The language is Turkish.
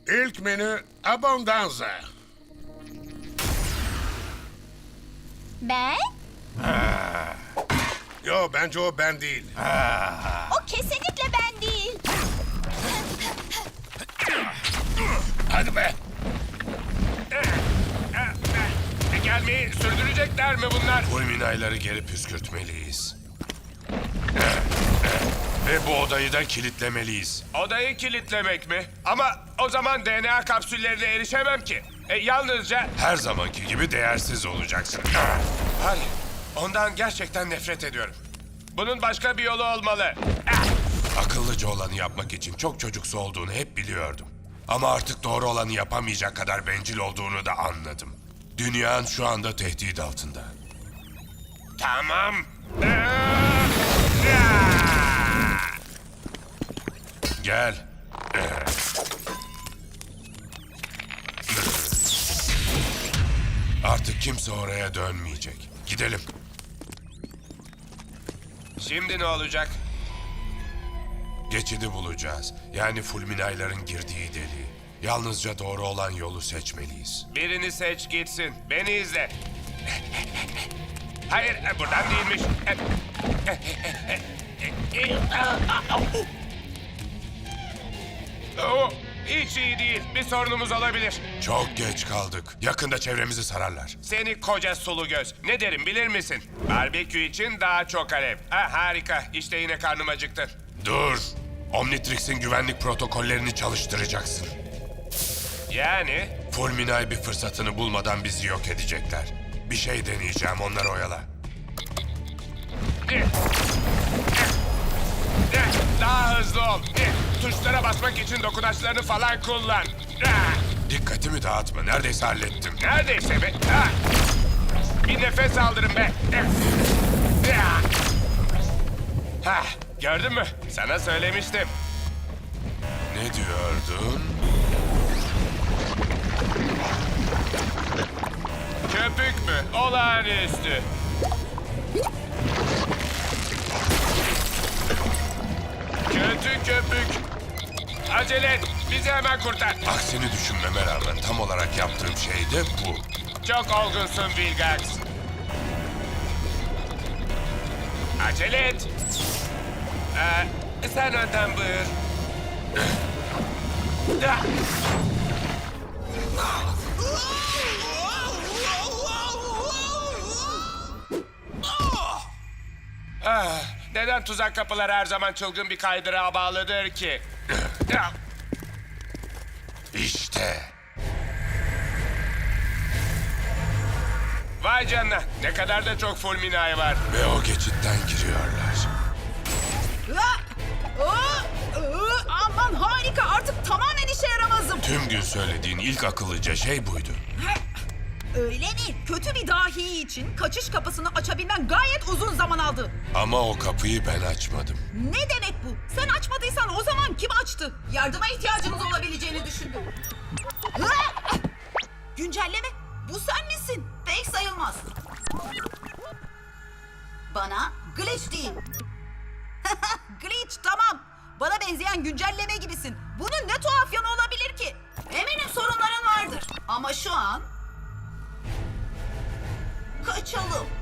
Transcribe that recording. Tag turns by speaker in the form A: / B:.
A: İlk menü Abondanza.
B: Ben?
A: Yo, bence o ben değil.
B: O kesinlikle ben değil.
A: Hadi be.
C: Gelmeyi sürdürecekler mi bunlar?
D: Fulminayları geri püskürtmeliyiz. Ve bu odayı da kilitlemeliyiz.
C: Odayı kilitlemek mi? Ama o zaman DNA kapsüllerine erişemem ki. Yalnızca...
D: Her zamanki gibi değersiz olacaksın.
C: Hayır, ondan gerçekten nefret ediyorum. Bunun başka bir yolu olmalı.
D: Akıllıca olanı yapmak için çok çocuksu olduğunu hep biliyordum. Ama artık doğru olanı yapamayacak kadar bencil olduğunu da anladım. Dünyan şu anda tehdit altında.
C: Tamam.
D: Gel. Artık kimse oraya dönmeyecek. Gidelim.
C: Şimdi ne olacak?
D: Geçidi bulacağız. Yani fulminayların girdiği deliği. Yalnızca doğru olan yolu seçmeliyiz.
C: Birini seç gitsin. Beni izle. Hayır, buradan değilmiş. Hiç iyi değil. Bir sorunumuz olabilir.
D: Çok geç kaldık. Yakında çevremizi sararlar.
C: Seni koca sulu göz. Ne derim bilir misin? Barbekü için daha çok alev. Ha, harika. İşte yine karnım acıktı.
D: Dur. Omnitrix'in güvenlik protokollerini çalıştıracaksın.
C: Yani?
D: Fulminay bir fırsatını bulmadan bizi yok edecekler. Bir şey deneyeceğim, onları oyala.
C: Daha hızlı ol. Tuşlara basmak için dokunaçlarını falan kullan.
D: Dikkatimi dağıtma, neredeyse hallettim.
C: Neredeyse be. Bir nefes aldırın be. Gördün mü? Sana söylemiştim.
D: Ne diyordun?
C: Köpük mü? Olağanüstü. Kötü köpük. Acele et. Bizi hemen kurtar.
D: Aksini düşünmeme rağmen tam olarak yaptığım şey de bu.
C: Çok olgunsun Vilgax. Acele et. Sen önden buyur. Neden tuzak kapılar her zaman çılgın bir kaydırağa bağlıdır ki?
D: İşte.
C: Vay canına, ne kadar da çok fulminay var.
D: Ve o geçitten giriyorlar.
E: Aman harika, artık tamamen işe yaramazım.
D: Tüm gün söylediğin ilk akıllıca şey buydu.
E: Öyle mi? Kötü bir dahi için kaçış kapısını açabilmen gayet uzun zaman aldı.
D: Ama o kapıyı ben açmadım.
E: Ne demek bu? Sen açmadıysan o zaman kim açtı? Yardıma ihtiyacınız olabileceğini düşündüm. Güncelleme. Bu sen misin? Pek sayılmaz. Bana glitch değil. Glitch tamam. Bana benzeyen güncelleme gibisin. Bunun ne tuhaf yanı olabilir ki? Eminim sorunların vardır. Ama şu an... Kaçalım.